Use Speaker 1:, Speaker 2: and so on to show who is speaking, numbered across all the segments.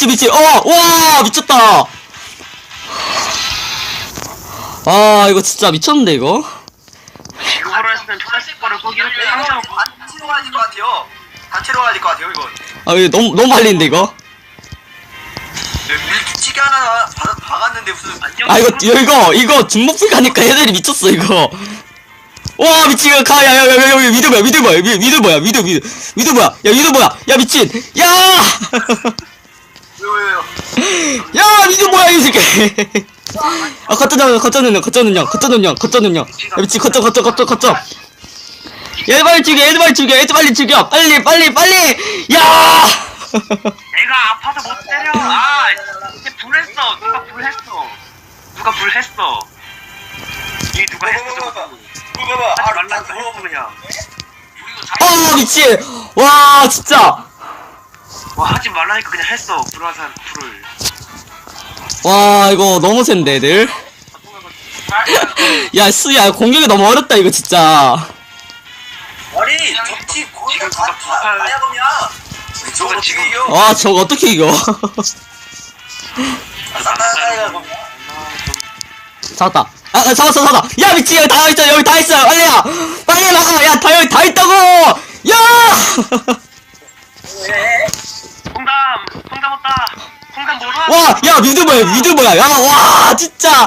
Speaker 1: 미친. 와, 미쳤다. 아, 이거 진짜 미쳤는데, 이거?
Speaker 2: 이거로 했으면 플라스틱 거를 포기할 때 항상
Speaker 3: 단체로 가야 될 것 같아요. 단체로 가야 될 것 같아요, 이건.
Speaker 1: 아, 이거 너무 말리는데, 이거?
Speaker 3: 밀치기 하나 박았는데 무슨.
Speaker 1: 아, 이거 중목풀 가니까 애들이 미쳤어, 이거. 와, 미친, 이거 가, 야, 미드 뭐야. 야, 미드 뭐야. 야, 미친. 야!
Speaker 3: 왜요?
Speaker 1: 야, 미드 뭐야, 이 새끼. 아, 거쩌는 형. 야, 미친, 거쩌. 얘들 빨리 죽여. 빨리. 야!
Speaker 2: 내가 아파서 못 때려. 아, 이제 불했어. 누가 불했어. 이 누가 했어?
Speaker 3: 봐봐.
Speaker 2: 하지 말라니까 했어 그냥.
Speaker 1: 미친. 와, 진짜.
Speaker 2: 와 하지 말라니까 그냥 했어. 불화산 불을.
Speaker 1: 와, 이거 너무 센데, 애들. 야, 수야, 공격이 너무 어렵다, 이거 진짜.
Speaker 3: 아니, 적지 거기가 다야 그냥. 저거 지금 이겨.
Speaker 1: 와, 저거 어떻게 이겨?
Speaker 3: 나야 그냥.
Speaker 1: 잡았다. 잡았어. 야, 미친, 여기 다 있어. 빨리 나가. 야, 여기 다 있다고. 야!
Speaker 2: 홍담 왔다. 홍담 뭐라?
Speaker 1: 와, 야, 미드 뭐야. 야, 와, 진짜.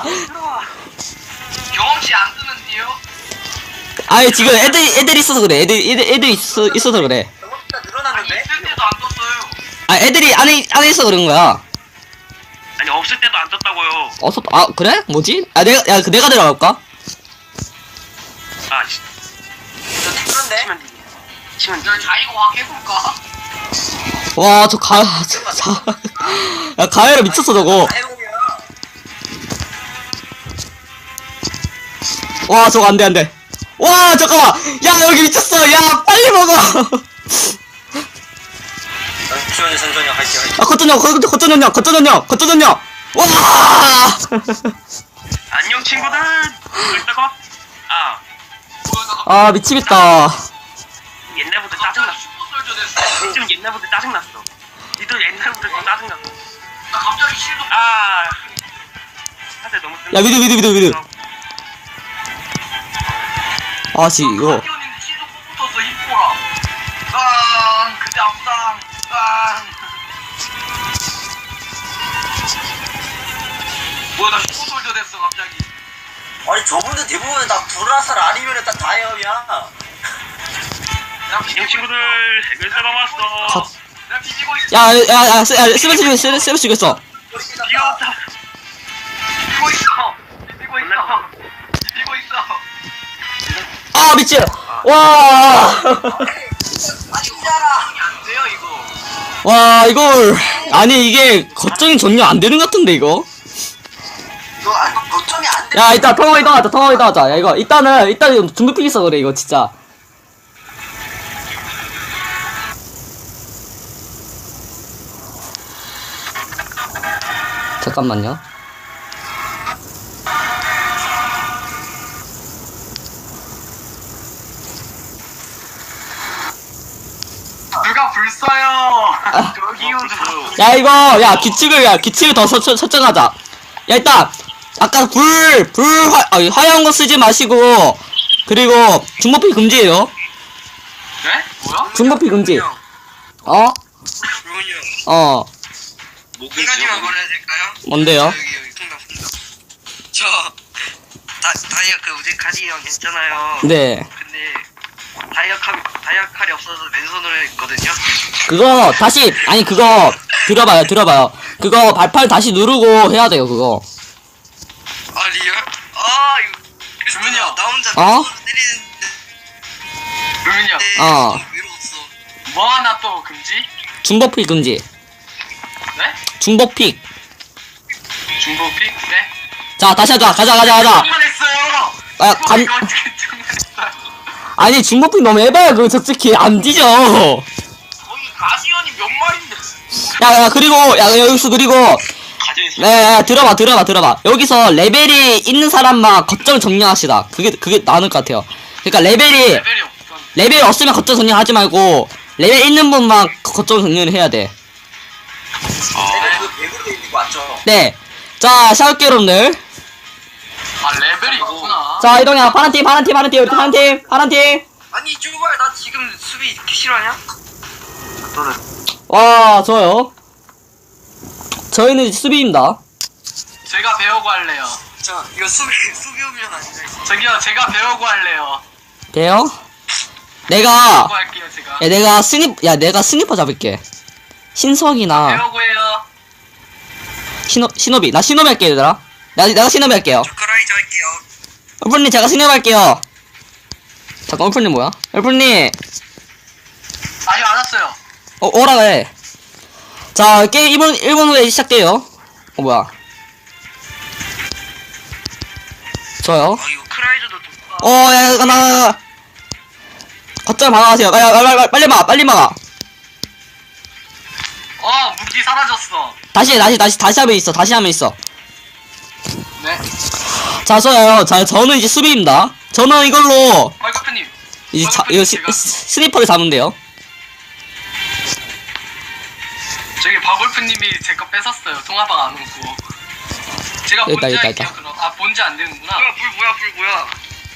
Speaker 3: 경험치 안 뜨는데요?
Speaker 1: 아니, 지금 애들이 있어서 그래. 애들이 있어서 그래.
Speaker 3: 경험치가 늘어났는데?
Speaker 2: 있을 때도 안 떴어요.
Speaker 1: 아, 애들이 안에 있어 그런 거야.
Speaker 2: 아니 없을 때도 안 떴다고요.
Speaker 1: 아, 그래? 뭐지? 내가 들어갈까?
Speaker 2: 아
Speaker 3: 그런데?
Speaker 2: 치면 자이고 확 해볼까?
Speaker 1: 와, 야, 가해라 미쳤어, 저거. 와, 저거 안 돼. 와, 잠깐만. 야, 여기 미쳤어. 야, 빨리 먹어.
Speaker 3: 천천히 할게요.
Speaker 1: 아, 거쩌전형. 와!
Speaker 2: 안녕 친구들. 이따가
Speaker 1: 아, 미치겠다.
Speaker 2: 옛날부터 짜증났어. 지금 옛날부터 짜증났어. 니들 옛날부터 짜증났어. 나 갑자기 실도. 사실 너무.
Speaker 1: 야, 미드. 아, 이거.
Speaker 2: 실도 꼭 붙었어 이뻐라. 그때 아프다. 뭐야 나 슈퍼솔저 됐어 갑자기.
Speaker 3: 아니 저분들 대부분 다 불화살 아니면은 다 다이어야.
Speaker 2: 안녕 친구들 해결사가 왔어. 나 비비고 있어.
Speaker 1: 야, 세븐 죽였어.
Speaker 2: 비었다. 비비고 있어.
Speaker 1: 아, 미친. 와.
Speaker 3: 아니 우자라.
Speaker 2: 안 돼요 이거.
Speaker 1: 와, 이걸. 아니, 이게 거점이 전혀 안 되는 것 같은데, 이거.
Speaker 3: 이거 거점이 안 돼.
Speaker 1: 야, 이따 통화 이따 하자. 야, 이거 일단 중급픽 있어 그래, 이거 진짜. 잠깐만요.
Speaker 2: 누가 불 써요. 저기요.
Speaker 1: 야, 규칙을 더 설정하자. 야, 일단, 아까 화려한 거 쓰지 마시고, 그리고, 중복픽 금지예요.
Speaker 2: 네? 뭐야?
Speaker 1: 중복픽 금지.
Speaker 3: 그러면요. 한 가지만 말해야 될까요?
Speaker 1: 뭔데요?
Speaker 3: 여기 통닭. 저 다이어 우리 가디언 했잖아요.
Speaker 1: 네.
Speaker 3: 근데 다이어 칼이 없어서 맨손으로 했거든요.
Speaker 1: 그거, 들어봐요. 그거 발판 다시 누르고 해야 돼요, 그거.
Speaker 3: 아 리얼? 이거 주문이야. 나 혼자
Speaker 1: 어?
Speaker 3: 맨손으로 때리는데
Speaker 2: 루민이요.
Speaker 1: 어.
Speaker 3: 외로웠어.
Speaker 2: 뭐 하나 또 금지?
Speaker 1: 중복픽 금지.
Speaker 2: 네?
Speaker 1: 중복픽.
Speaker 2: 중고픽? 네?
Speaker 1: 자, 다시 하자. 가자.
Speaker 2: 충분했어요.
Speaker 1: 아,
Speaker 2: 이거 어떻게 충분했어요?
Speaker 1: 아니, 중복픽 너무 해봐야 그거 솔직히 안 뒤져.
Speaker 2: 거기 가디언이 몇 마리인데?
Speaker 1: 여기서
Speaker 2: 가디언이
Speaker 1: 네, 들어봐. 여기서 레벨이 있는 사람만 거점 정리합시다. 그게 나을 것 같아요. 그러니까
Speaker 2: 레벨이 없어.
Speaker 1: 레벨 없으면 거점 정리하지 말고, 레벨 있는 분만 거점 정리를 해야 돼.
Speaker 2: 레벨
Speaker 1: 네. 자, 시작할게요, 여러분들.
Speaker 4: 아 레벨이 있구나.
Speaker 1: 자, 이동이야. 파란팀, 파란팀, 파란팀, 우리 파란팀, 파란팀.
Speaker 3: 아니 쭈발 나 지금 수비 이렇게 싫어하냐? 너는
Speaker 1: 와, 좋아요. 저희는 수비입니다.
Speaker 4: 제가 배우고 할래요.
Speaker 3: 자 이거 수비 오면 아닌가 이거.
Speaker 4: 저기요 제가 배우고 할래요.
Speaker 1: 돼요? 내가,
Speaker 4: 배우고 할게요 제가.
Speaker 1: 야, 내가 스니퍼 잡을게. 신석이나,
Speaker 4: 배우고 해요.
Speaker 1: 신호비. 나 신호비 할게, 얘들아. 내가 신호비 할게요.
Speaker 3: 저크라이저 할게요.
Speaker 1: 얼풀님, 제가 신호비 할게요. 잠깐, 얼풀님 뭐야? 얼풀님,
Speaker 4: 아니 안 왔어요.
Speaker 1: 오라 해. 자, 게임 1분 후에 시작돼요. 뭐야. 좋아요.
Speaker 3: 아 이거 크라이저도 좋다.
Speaker 1: 야, 나. 거점 막아가세요. 야, 빨리 막아, 빨리 막아.
Speaker 4: 무기 사라졌어.
Speaker 1: 다시 하면 있어, 다시 하면 있어.
Speaker 4: 네.
Speaker 1: 자, 좋아요. 자, 저는 이제 수비입니다. 저는 이걸로,
Speaker 4: 헐커프님.
Speaker 1: 이제 이거 스니퍼를 잡으면 돼요.
Speaker 4: 저기 바골프님이 제 거 뺏었어요. 통화방 안 오고. 제가
Speaker 1: 있다,
Speaker 4: 본지
Speaker 1: 있다,
Speaker 4: 할게요
Speaker 1: 있다.
Speaker 4: 그럼. 본지 안 되는구나.
Speaker 3: 뭐야 불 뭐야.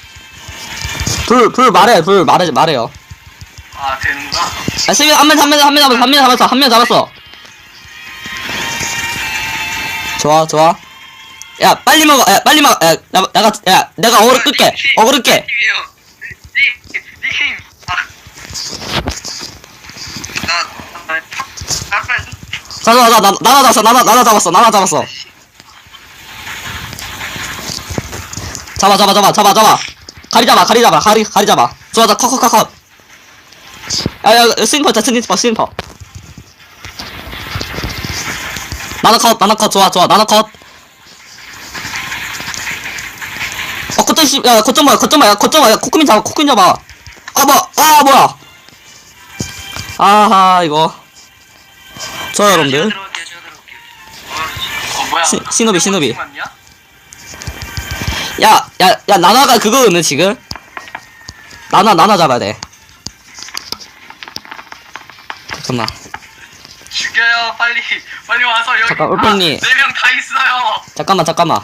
Speaker 1: 불 말해요.
Speaker 4: 되는구나.
Speaker 1: 아, 수비, 한 명 잡았어. 좋아. 야, 빨리 먹어. 야, 내가 어그로 끌게.
Speaker 3: 팀이에요. 니 게임.
Speaker 1: 나나 잡았어. 잡아. 가리 잡아. 좋아, 컷. 야, 스니퍼. 나나 컷, 좋아, 나나 컷. 거점 뭐야, 코크민 잡아. 뭐야. 아하, 이거. 좋아요, 여러분들.
Speaker 3: 들어갈게요.
Speaker 4: 뭐야?
Speaker 1: 신호비.
Speaker 4: 맞냐?
Speaker 1: 야, 나나가 그거는 지금. 나나 잡아야 돼. 잠깐만.
Speaker 4: 죽여요 빨리 와서 여기.
Speaker 1: 잠깐, 울프님.
Speaker 4: 4명 다 있어요.
Speaker 1: 잠깐만.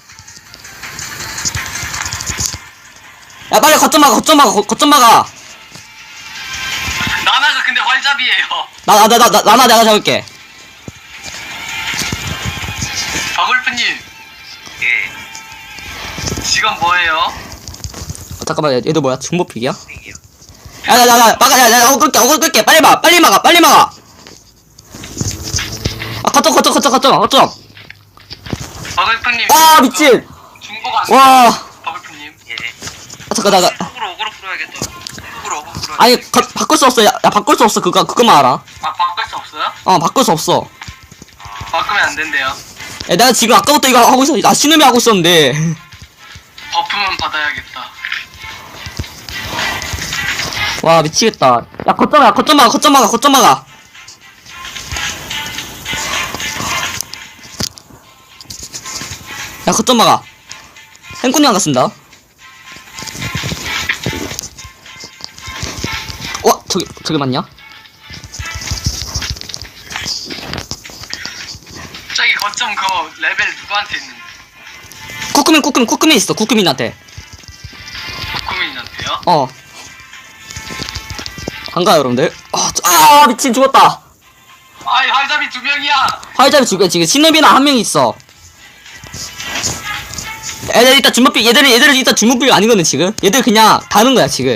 Speaker 1: 야, 빨리 거점 막아.
Speaker 4: 나나가 근데 활잡이에요.
Speaker 1: 나나 내가 잡을게.
Speaker 4: 바골프님
Speaker 3: 예.
Speaker 4: 지금 뭐예요?
Speaker 1: 잠깐만, 얘도 뭐야? 중보픽이야? 야, 어글 끌게. 빨리 막아. 아, 거점.
Speaker 4: 바골프님.
Speaker 1: 미친.
Speaker 4: 중고가 안
Speaker 1: 와.
Speaker 4: 돼요. 바골프님.
Speaker 3: 예.
Speaker 1: 잠깐,
Speaker 3: 어그로 풀어야겠다. 어그로 풀어야겠다.
Speaker 1: 아니, 바꿀 수 없어. 야, 바꿀 수 없어. 그거만 알아.
Speaker 4: 바꿀 수 없어요?
Speaker 1: 바꿀 수 없어.
Speaker 4: 바꾸면 안 된대요.
Speaker 1: 야, 내가 지금 아까부터 이거 하고 있어. 나 신음이 하고 있었는데.
Speaker 4: 버프만 받아야겠다.
Speaker 1: 와, 미치겠다. 야, 거점 막아. 야, 거점 막아. 행꾼이 안 갔습니다. 와, 저기 맞냐?
Speaker 4: 저기 거점 레벨 누구한테 있는데?
Speaker 1: 쿠크민 있어. 쿠크민한테.
Speaker 4: 박구민한테요?
Speaker 1: 반가요, 여러분들. 미친, 죽었다.
Speaker 4: 아이 활잡이 2명이야.
Speaker 1: 화이자비 죽여. 지금 신업이나 한 명 있어. 얘들 일단 주먹비, 얘들은 일단 주먹비가 아니거든, 지금. 얘들 그냥 다는 거야, 지금.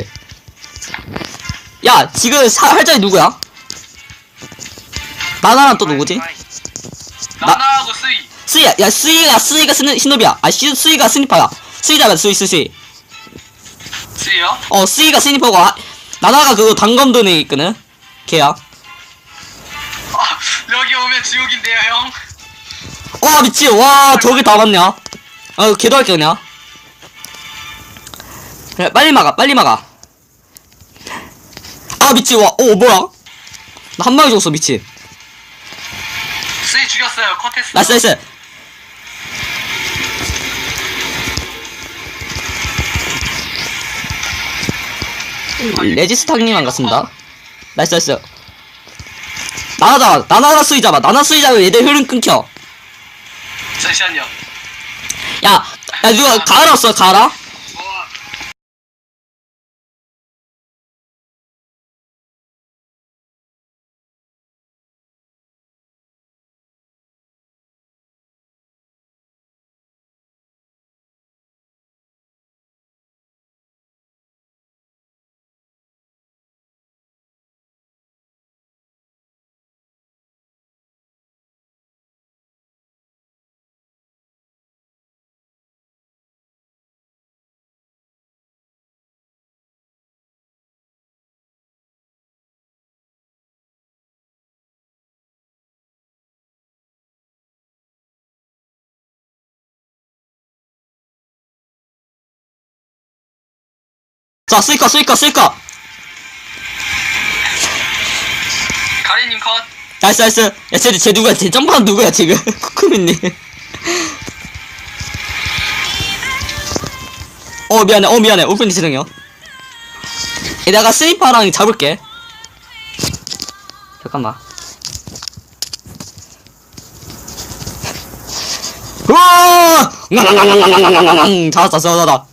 Speaker 1: 야, 지금 활자비 누구야? 나나랑 또 누구지?
Speaker 4: 나나하고 스이.
Speaker 1: 스이야. 야, 스이가 신업이야. 스이가 스니퍼야. 스이 잡아, 스이.
Speaker 4: 스이요?
Speaker 1: 스이가 스니퍼고, 나나가 그거 단검 에 있거든? 걔야.
Speaker 4: 여기 오면 지옥인데요 형.
Speaker 1: 와, 미친. 와, 저기 다 맞냐? 걔도 할게, 그냥. 그래, 빨리 막아. 미친. 뭐야? 나 한 방에 죽었어, 미친.
Speaker 4: 스이 죽였어요. 컷했어.
Speaker 1: 나이스. 레지스탕님 안 갔습니다. 나이스. 나나 스이 잡아. 얘들 흐름 끊겨.
Speaker 4: 잠시만요.
Speaker 1: 야 누가 가라 없어 가라?
Speaker 3: 뭐
Speaker 1: 자 스이커
Speaker 4: 가리님 컷.
Speaker 1: 나이스 야 쟤 누구야 쟤 점프하는 누구야 지금 쿠쿠민님 미안해 오픈이 죄송해요. 내가 스니퍼랑 잡을게. 잠깐만. 우와! 잡았다.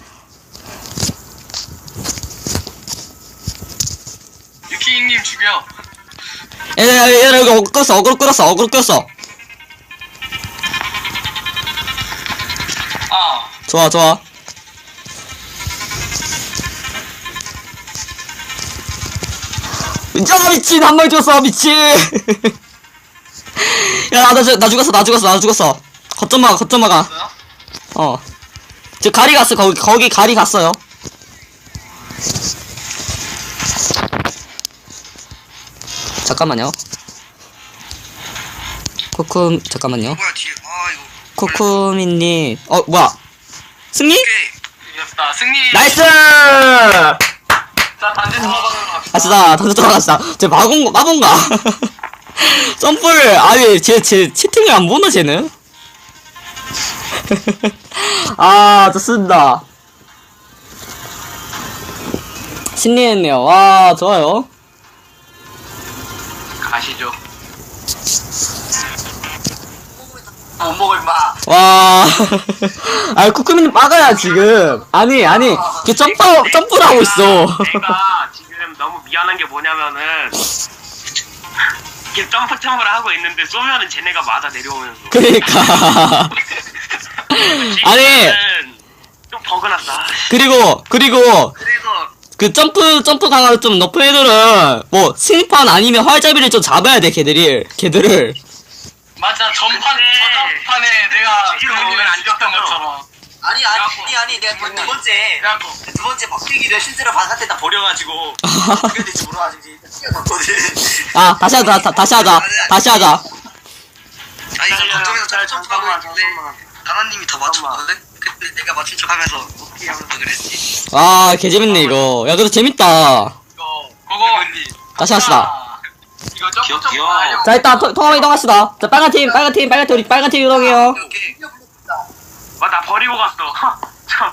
Speaker 4: 유키님 죽여.
Speaker 1: 얘 여기 어그로 끌었어.
Speaker 4: 아,
Speaker 1: 좋아. 야 미친 한 마리 죽었어 미친. 야 나 죽었어. 거점 막아.
Speaker 4: 뭐야?
Speaker 1: 저 가리 갔어 거기 가리 갔어요. 잠깐만요. 잠깐만요.
Speaker 3: 뭐야 뒤에 이거
Speaker 1: 코코미님 뭐야 승리?
Speaker 3: 오케이.
Speaker 4: 이겼다. 승리.
Speaker 1: 나이스!
Speaker 4: 자, 단지 사방으로 갑시다.
Speaker 1: 갑시다. 던져 들어갑시다. 쟤 마본가? 점프를 아니 쟤 채팅을 안 보나 쟤는? 아 좋습니다. 승리했네요. 와 좋아요.
Speaker 4: 가시죠. 못 먹어 임마.
Speaker 1: 와, 아 쿠쿠미는 빠가야 지금. 아니, 걔 점프를 하고 있어.
Speaker 2: 내가 지금 너무 미안한 게 뭐냐면은 이게 점프를 하고 있는데 쏘면은 쟤네가 맞아 내려오면서
Speaker 1: 그러니까. 아니,
Speaker 2: 좀 버그났어.
Speaker 1: 그리고
Speaker 3: 그래서
Speaker 1: 그 점프 강화를 좀 높은 애들은 뭐 스니판 아니면 활잡이를 좀 잡아야 돼 걔들을.
Speaker 4: 맞아. 저전판에 내가 그분을 안 죽였던 것처럼.
Speaker 5: 아니 내가 두 번째 박대기를 실제로 바깥에다 버려가지고 어떻게 될지 몰라가지고 뛰어갔거든.
Speaker 1: 아 다시 하자.
Speaker 3: 아니 저 걱정해서
Speaker 2: 잘,
Speaker 3: 점프하고
Speaker 2: 잠깐만.
Speaker 3: 있는데 나나님이 다 맞췄거든? 근데 내가 맞춘 척하면서 어떻게 하면서 그랬지.
Speaker 1: 아 개재밌네 이거. 야 그래도 재밌다.
Speaker 4: 그거
Speaker 1: 다시 합시다.
Speaker 4: 이거 점프
Speaker 2: 귀여워.
Speaker 4: 하려고.
Speaker 1: 자 일단 통화 이동합시다. 자 빨간 팀 우리 빨간 팀 이동해요.
Speaker 3: 오케이.
Speaker 2: 나 버리고 갔어. 참.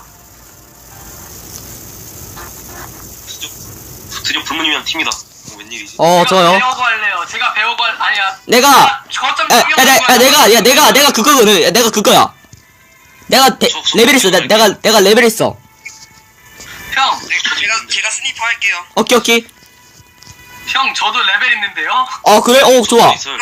Speaker 6: 드디어 불문이면 팀이다. 웬일이지?
Speaker 1: 좋아요.
Speaker 4: 배우고 할래요. 제가 배우고 아니야.
Speaker 1: 내가
Speaker 4: 저점
Speaker 1: 내가 그거거든. 내가 그거야. 내가 레벨 있어. 내가 레벨 있어.
Speaker 4: 형,
Speaker 3: 제가 스니퍼 할게요.
Speaker 1: 오케이.
Speaker 4: 형 저도 레벨 있는데요.
Speaker 1: 그래? 좋아.
Speaker 6: 있어요.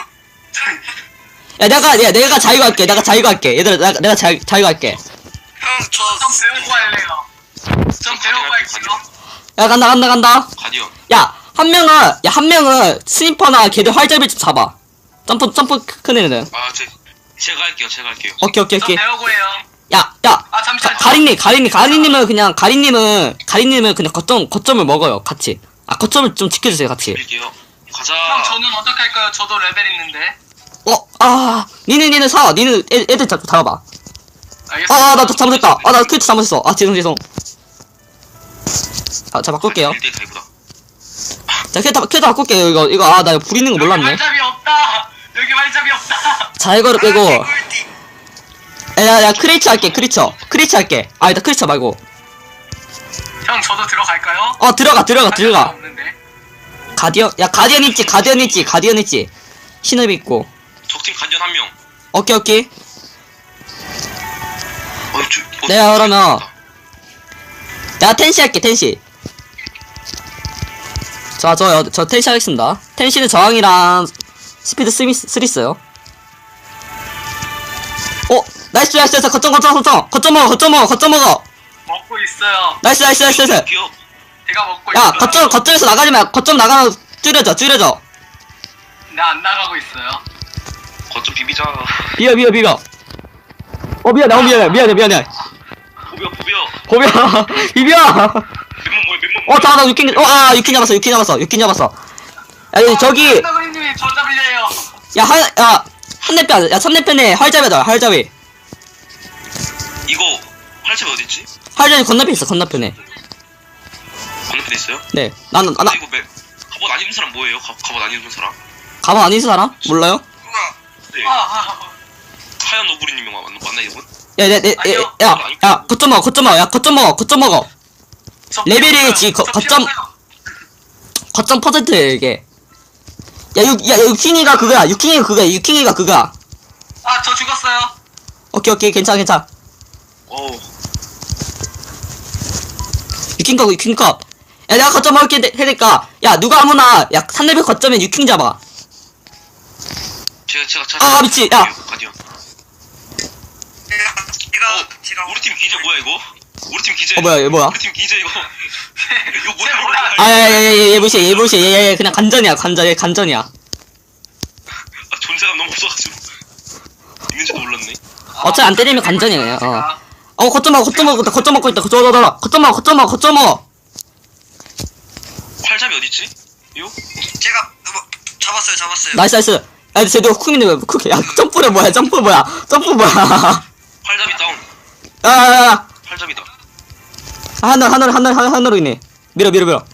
Speaker 1: 야 내가 자유할게 얘들아 내가 자유할게
Speaker 3: 형,
Speaker 4: 좀 배우고 할래요. 좀 배우고 할게요.
Speaker 1: 야 간다.
Speaker 6: 가디언.
Speaker 1: 한 명은 스니퍼나 걔들 활잡이 좀 잡아. 점프 큰 애는.
Speaker 6: 제가 할게요.
Speaker 1: 오케이.
Speaker 4: 좀 배우고 해요.
Speaker 1: 야
Speaker 4: 아 잠시만.
Speaker 1: 가리님은 그냥 거점을 먹어요 같이. 거점을 좀 지켜주세요 같이.
Speaker 6: 빌게요. 가자.
Speaker 4: 형 저는 어떻게 할까요? 저도 레벨 있는데.
Speaker 1: 니는 사. 니는 애들 잡아봐.
Speaker 4: 알겠습니다.
Speaker 1: 나 잘못했다. 나 크리트 잘못했어. 죄송. 자 바꿀게요.
Speaker 6: 1대 다이브다.
Speaker 1: 자 크리트 바꿀게요. 이거 나 불 있는 거 몰랐네.
Speaker 4: 활잡이 없다. 여기 활잡이 없다.
Speaker 1: 자 이거를 빼고.
Speaker 3: 꿀팁.
Speaker 1: 야 크리처 할게. 크리처 아니다 크리처 말고.
Speaker 4: 형 저도 들어갈까요?
Speaker 1: 들어가.
Speaker 4: 없는데.
Speaker 1: 가디언 있지. 신업 있고.
Speaker 6: 적팀 가디언 한 명.
Speaker 1: 오케이 오케이.
Speaker 6: 네.
Speaker 1: 내가 그러면 내가 텐시 할게 텐시. 자 저 텐시 하겠습니다. 텐시는 저항이랑 스피드 3 있어요. 나이스 거점 먹어.
Speaker 4: 먹고 있어요.
Speaker 1: 나이스.
Speaker 6: 귀여워.
Speaker 4: 제가 먹고
Speaker 1: 야
Speaker 4: 있어요.
Speaker 1: 거점에서 나가지 마. 거점 나가면 줄여져.
Speaker 4: 나안 나가고 있어요.
Speaker 6: 거점 비비자.
Speaker 1: 비벼. 미안해.
Speaker 6: 보벼.
Speaker 1: 비벼.
Speaker 6: 맨몸 뭐야.
Speaker 1: 나 유킨 잡았어. 야 저기
Speaker 4: 선생님이 저 잡으래요.
Speaker 1: 한대편 3대편에 활잡이.
Speaker 6: 이거 활잡이 어딨지?
Speaker 1: 활잡이 건너편에 있어. 건너편에
Speaker 6: 있어요?
Speaker 1: 네 나는
Speaker 6: 이거 갑옷 안 입는 사람 뭐예요? 갑옷 안 입는 사람?
Speaker 1: 가방 안 있는 사람? 몰라요?
Speaker 6: 네. 하얀 너구리님이 맞나 이분?
Speaker 1: 야 거점 먹어. 레벨이 지금 거점 퍼센트에 이게. 유킹이가 그거야.
Speaker 4: 저 죽었어요.
Speaker 1: 오케이 괜찮아. 유킹 컷. 야 내가 거점 먹을게 해니까 야 누가 아무나 3레벨 거점에 유킹 잡아.
Speaker 6: 제가
Speaker 1: 미치, 야.
Speaker 6: 가디언.
Speaker 3: 제가
Speaker 6: 우리 팀 기재 뭐야 이거? 우리 팀 기재.
Speaker 1: 뭐야?
Speaker 6: 우리 팀 기재 이거. 이거
Speaker 4: 뭐야?
Speaker 6: 뭐야?
Speaker 1: 얘 무시해. 얘 그냥 간전이야.
Speaker 6: 존재감 너무 없어가지고 있는지도 몰랐네.
Speaker 1: 어차피 안 때리면 간전이에요. 거점 먹고 있다. 거점 먹어.
Speaker 6: 활잡이 어딨지? 이거?
Speaker 3: 제가 잡았어요.
Speaker 1: 나이스. 야, 쟤도 후킹인데 왜 쿠키? 야, 점프 뭐야?
Speaker 6: 활잡이 다운.
Speaker 1: 야.
Speaker 6: 활잡이다.
Speaker 1: 하늘로 있네. 밀어.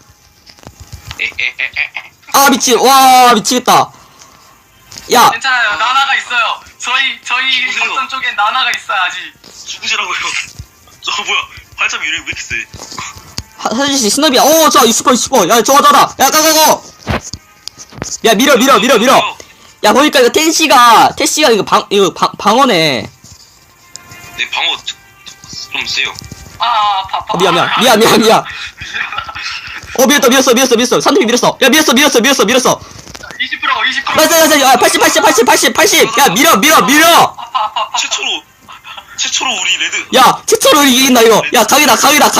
Speaker 6: 에에에에.
Speaker 1: 미치겠다. 야,
Speaker 4: 괜찮아요. 나나가 있어요. 저희
Speaker 6: 죽으세요.
Speaker 4: 거점 쪽엔 나나가 있어요 아직.
Speaker 6: 죽으시라고요. 저 뭐야? 활잡이 왜 이렇게 세?
Speaker 1: 사실 스너비야. 저 20%. 야, 저거 야, 가고. 야, 밀어. 야, 보니까 이거 태시가 이거 방어네.
Speaker 6: 내 방어 좀 세요.
Speaker 4: 아파.
Speaker 1: 미안. 밀었어. 산팀이 밀었어. 야, 밀었어.
Speaker 4: 20%.
Speaker 1: 나이스. 80. 야, 밀어.
Speaker 6: 최초로 우리 레드.
Speaker 1: 야, 최초로 이긴다 이거. 야, 각이다.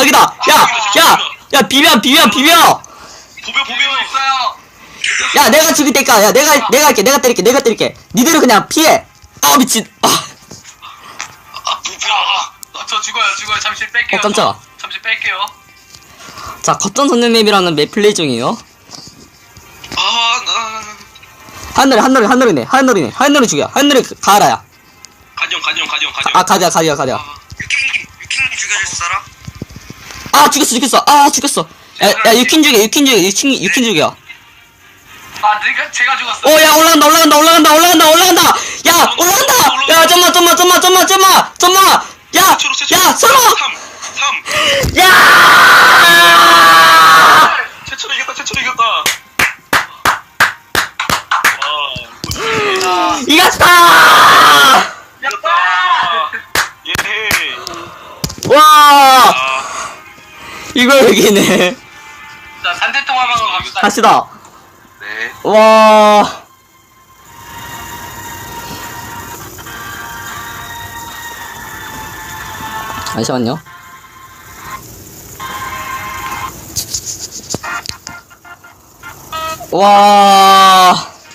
Speaker 1: 야, 비벼.
Speaker 6: 보벼.
Speaker 4: 있어요.
Speaker 1: 야, 내가 죽일 테니까. 야, 내가 할게. 내가 때릴게. 니들은 그냥 피해. 미친.
Speaker 6: 보벼.
Speaker 4: 저 죽어요. 잠시 뺄게요.
Speaker 1: 깜짝아.
Speaker 4: 잠시 뺄게요.
Speaker 1: 자, 거점 선는 맵이라는 맵 플레이 중이에요. 하늘이네. 하늘을 죽여. 하늘을 가라야.
Speaker 6: 가디언.
Speaker 1: 가디야.
Speaker 3: 유킹 죽여줄 사람?
Speaker 1: 죽였어. 야, 유킨 죽여.
Speaker 4: 제가 죽었어.
Speaker 1: 야, 올라간다. 야, 올라간다. 야, 점마. 야, 설마.
Speaker 6: 3.
Speaker 1: 야!
Speaker 6: 최초로 이겼다.
Speaker 1: 이겼다!
Speaker 6: 예.
Speaker 1: 와! 이걸 이기네.
Speaker 4: 자, 산대통화방으로 갑시다.
Speaker 1: 갑시다.
Speaker 6: 네.
Speaker 1: 와. 잠시만요. 와.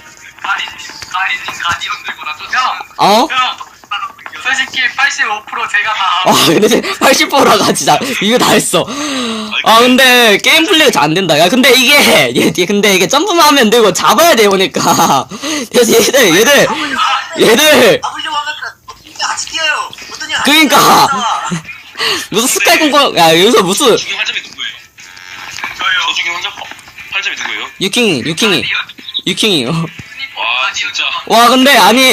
Speaker 4: 가디언 들고 나
Speaker 1: 어?
Speaker 4: 형, 솔직히 85% 제가 다.
Speaker 1: 근데 80%라가 진짜 이거 다 했어. 근데 게임 플레이가 잘 안 된다. 야, 근데 근데 이게 점프만 하면 안 되고 잡아야 돼 보니까. 그래서 얘들
Speaker 5: 아버지와 같이 뛰어요.
Speaker 1: 그러니까. 무슨 스카이 공공. 야, 여기서 무슨
Speaker 6: 죽인 활잡이 누구예요? 저요. 저 죽인 활잡이 누구예요?
Speaker 1: 유킹이요.
Speaker 6: 와 진짜.
Speaker 1: 와, 근데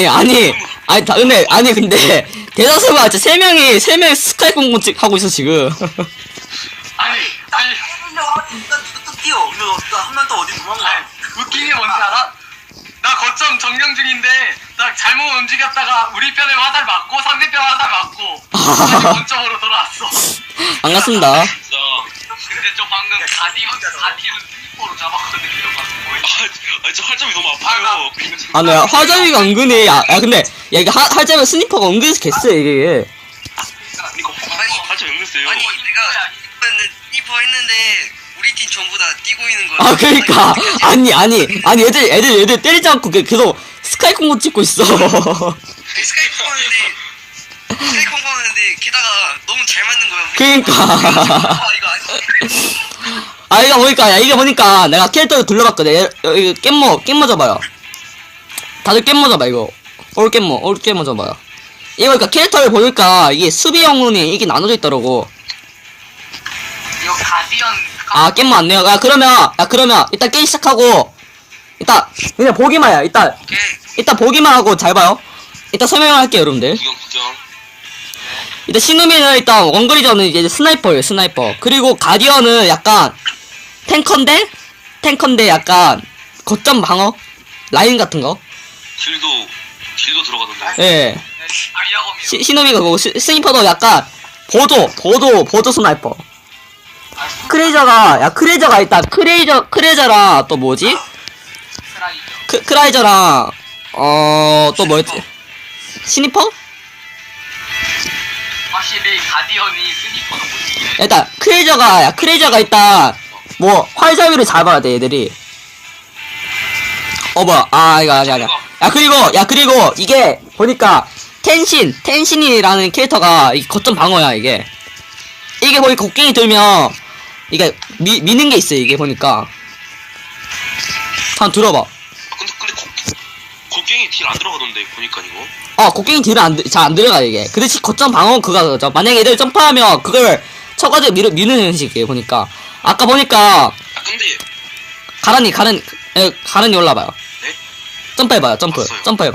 Speaker 1: 근데 대다수가 진짜 3명이 스카이 공공 하고 있어 지금.
Speaker 4: 아니,
Speaker 5: 또 뛰어. 한 명 또 어디 도망가.
Speaker 4: 웃긴 게 뭔지 알아? 나 거점 점령 중인데 딱 잘못 움직였다가 우리 편에 화살 맞고 상대편 화살 맞고 다시 원점으로 돌아왔어.
Speaker 1: 반갑습니다.
Speaker 6: 진짜.
Speaker 4: 근데 저 방금 가디언 스니퍼로 잡았거든요. 방금 뭐였지?
Speaker 6: 저 활점이 너무 아파요.
Speaker 1: 아, 네, 화점이가 은근히, 야, 근데, 야, 이게 활점이 스니퍼가 은근히 개쎄, 이게.
Speaker 6: 활점 연결했어요.
Speaker 3: 아니 내가 스니퍼 했는데 우리 팀 전부 다 뛰고 있는 거야.
Speaker 1: 아, 그러니까. 아니, 애들 때리지 않고 계속 스카이 콩고 찍고 있어.
Speaker 3: 스카이프 하는데 게다가 너무 잘 맞는 거야. 우리
Speaker 1: 그러니까.
Speaker 3: 이거 아니.
Speaker 1: 아, 이게 보니까 내가 캐릭터를 돌려봤거든. 이거 깻모 잡아요. 다들 깻모 잡아, 이거. 올 깻모 잡아요. 이거 그러니까 캐릭터를 보니까 이게 수비 영웅이 이게 나눠져 있더라고.
Speaker 4: 이거 가디언
Speaker 1: 아, 깻모 안 내요. 그러면 일단 게임 시작하고, 일단, 그냥 보기만 해요. 일단 보기만 하고 잘 봐요. 일단 설명을 할게요, 여러분들.
Speaker 6: 구경.
Speaker 1: 일단 신우미는 일단 원거리전은 이제 스나이퍼예요, 스나이퍼. 그리고 가디언은 약간 탱커인데 약간 거점 방어 라인 같은 거.
Speaker 6: 길도 들어가던데.
Speaker 1: 예.
Speaker 4: 아이아검이요.
Speaker 1: 신우미가 그거 스나이퍼도 약간 보조 스나이퍼. 크레이저가 일단 크레이저랑 또 뭐지?
Speaker 4: 스라이저.
Speaker 1: 크라이저랑 또 뭐였지? 스니퍼?
Speaker 4: 확실히 가디언이 스니퍼도 못 이기네.
Speaker 1: 일단 크레이저가 일단 뭐 활자위를 잡아야 돼 얘들이. 뭐야? 이거 아니야. 그리고 이게 보니까 텐신이라는 캐릭터가 이 거점 방어야 이게. 이게 거기 곡괭이 들면 이게 미는 게 있어 이게 보니까. 한번 들어봐.
Speaker 6: 근데 곡괭이 딜 안 들어가던데 보니까 이거.
Speaker 1: 곡괭이 딜은 잘 안 들어가 이게. 그 대신 거점 방어 그거죠. 만약에 애들 점프하면 그걸 쳐가지고 미는 형식이에요 보니까. 아까 보니까
Speaker 6: 근데
Speaker 1: 가란이 올라봐요.
Speaker 6: 네?
Speaker 1: 점프해봐요. 점프해봐요.
Speaker 6: 점프.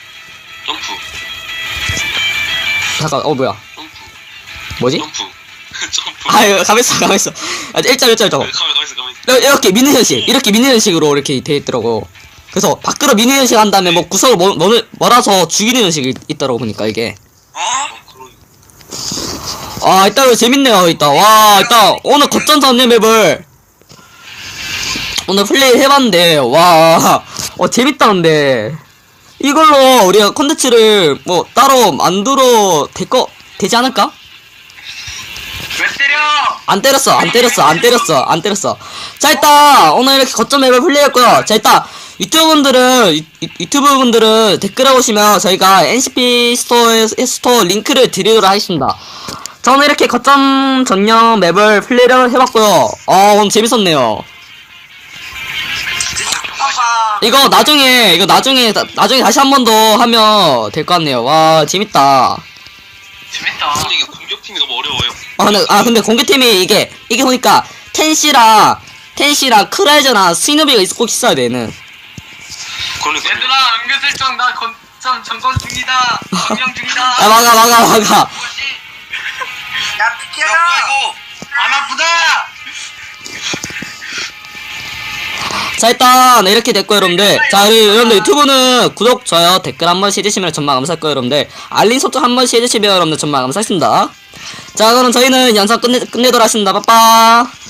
Speaker 1: 잠깐 뭐야?
Speaker 6: 점프.
Speaker 1: 뭐지?
Speaker 6: 점프.
Speaker 1: 이거 가만있어. 일자로 저거.
Speaker 6: 가만있어.
Speaker 1: 이렇게 미는 형식으로 이렇게 돼 있더라고. 그래서 밖으로 미는 형식 한 다음에 뭐 구석을 몰아서 죽이는 형식이 있더라고 보니까 이게. 일단 재밌네요. 일단 오늘 거점 잡는 맵을 오늘 플레이 해봤는데 재밌다. 근데 이걸로 우리가 컨텐츠를 뭐 따로 만들어 되지 않을까?
Speaker 4: 왜 때려?
Speaker 1: 안 때렸어. 자, 일단 오늘 이렇게 거점 맵을 플레이했고요. 자, 일단 유튜브 분들은 댓글에 오시면 저희가 NCP 스토어 링크를 드리도록 하겠습니다. 저는 이렇게 거점 전용 맵을 플레이를 해봤고요. 오늘 재밌었네요. 이거 나중에 다시 한 번 더 하면 될 것 같네요. 와, 재밌다.
Speaker 6: 근데 이게 공격팀이 너무 어려워요.
Speaker 1: 근데 공격팀이 이게 보니까 텐시랑 크라이저랑 스누비가 꼭 있어야 돼, 얘는.
Speaker 6: 그러니까
Speaker 4: 얘들아 은근슬쩍 나 거점 점검 중이다. 점령 중이다.
Speaker 1: 막아.
Speaker 5: 야 비켜.
Speaker 4: 안 아프다.
Speaker 1: 자, 일단 이렇게 됐고 여러분들. 자, 여러분들 유튜브는 구독, 좋아요, 댓글 한 번씩 해주시면 정말 감사할 거예요 여러분들. 알림 설정 한 번씩 해주시면 여러분들 정말 감사하겠습니다. 자, 그럼 저희는 영상 끝내도록 하겠습니다. 빠빠.